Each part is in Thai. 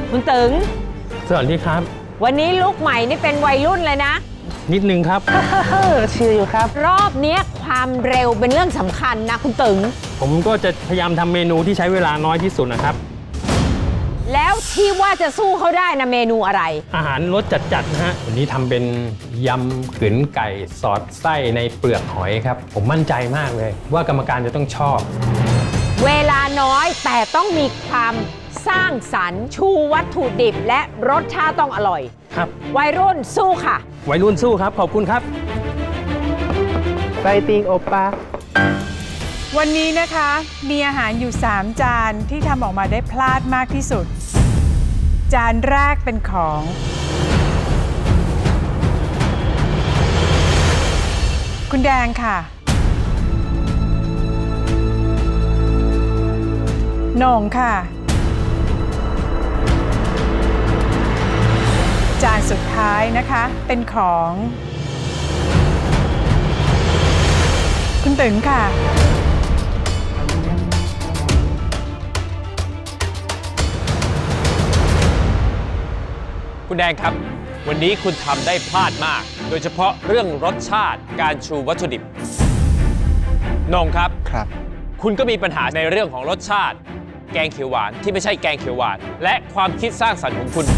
คุณตึงสวัสดีครับวันนี้ลุคใหม่นี่เป็นวัยรุ่นเลยนะนิดนึงครับเชียร์อยู่ครับรอบนี้ความเร็วเป็นเรื่องสำคัญนะคุณตึงผมก็จะพยายามทำเมนูที่ใช้เวลาน้อยที่สุดนะครับแล้วที่ว่าจะสู้เขาได้นะเมนูอะไรอาหารรสจัดๆนะฮะวันนี้ทำเป็นยำขืนไก่สอดไส้ในเปลือกหอยครับผมมั่นใจมากเลยว่ากรรมการจะต้องชอบเวลาน้อยแต่ต้องมีความสร้างสรรค์ชูวัตถุดิบและรสชาติต้องอร่อยครับวัยรุ่นสู้ค่ะวัยรุ่นสู้ครับขอบคุณครับไฟติงโอปาวันนี้นะคะมีอาหารอยู่3จานที่ทำออกมาได้พลาดมากที่สุดจานแรกเป็นของคุณแดงค่ะโหน่งค่ะจานสุดท้ายนะคะเป็นของคุณตึงค่ะคุณแดงครับวันนี้คุณทำได้พลาดมากโดยเฉพาะเรื่องรสชาติการชูวัตถุดิบนงครับคุณก็มีปัญหาในเรื่องของรสชาติแกงเขียวหวานที่ไม่ใช่แกงเขียวหวานและความคิดสร้างสรรค์ของคุณ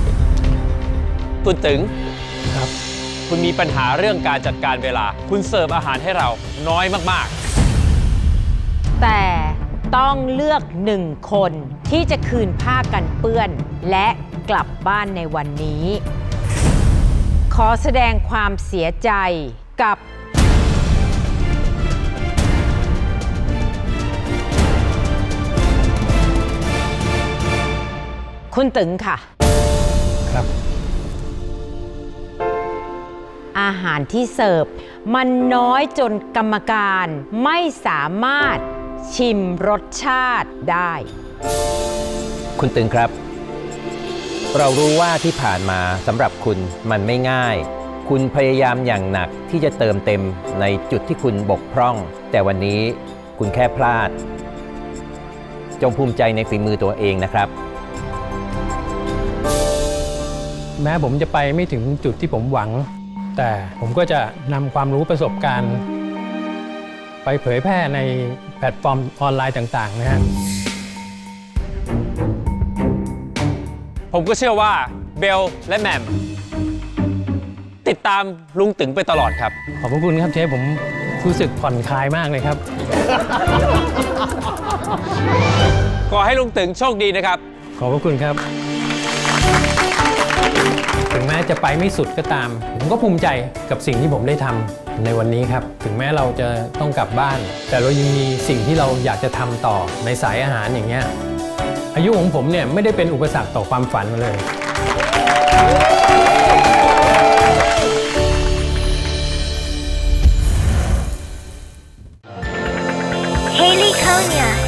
ตึงครับคุณมีปัญหาเรื่องการจัดการเวลาคุณเสิร์ฟอาหารให้เราน้อยมากๆแต่ต้องเลือก1คนที่จะคืนผ้ากันเปื้อนและกลับบ้านในวันนี้ขอแสดงความเสียใจกับคุณตึงค่ะครับอาหารที่เสิร์ฟมันน้อยจนกรรมการไม่สามารถชิมรสชาติได้คุณตึงครับเรารู้ว่าที่ผ่านมาสำหรับคุณมันไม่ง่ายคุณพยายามอย่างหนักที่จะเติมเต็มในจุดที่คุณบกพร่องแต่วันนี้คุณแค่พลาดจงภูมิใจในฝีมือตัวเองนะครับแม้ผมจะไปไม่ถึงจุดที่ผมหวังแต่ผมก็จะนำความรู้ประสบการณ์ไปเผยแพร่ในแพลตฟอร์มออนไลน์ต่างๆนะฮะผมก็เชื่อว่าเบลและแหม่มติดตามลุงตึงไปตลอดครับขอบคุณครับเชฟผมรู้สึกผ่อนคลายมากเลยครับขอให้ลุงตึงโชคดีนะครับขอบคุณครับถึงแม้จะไปไม่สุดก็ตามผมก็ภูมิใจกับสิ่งที่ผมได้ทำในวันนี้ครับถึงแม้เราจะต้องกลับบ้านแต่เรายังมีสิ่งที่เราอยากจะทำต่อในสายอาหารอย่างเงี้ยอายุของผมเนี่ยไม่ได้เป็นอุปสรรคต่อความฝันเลย Haley Konya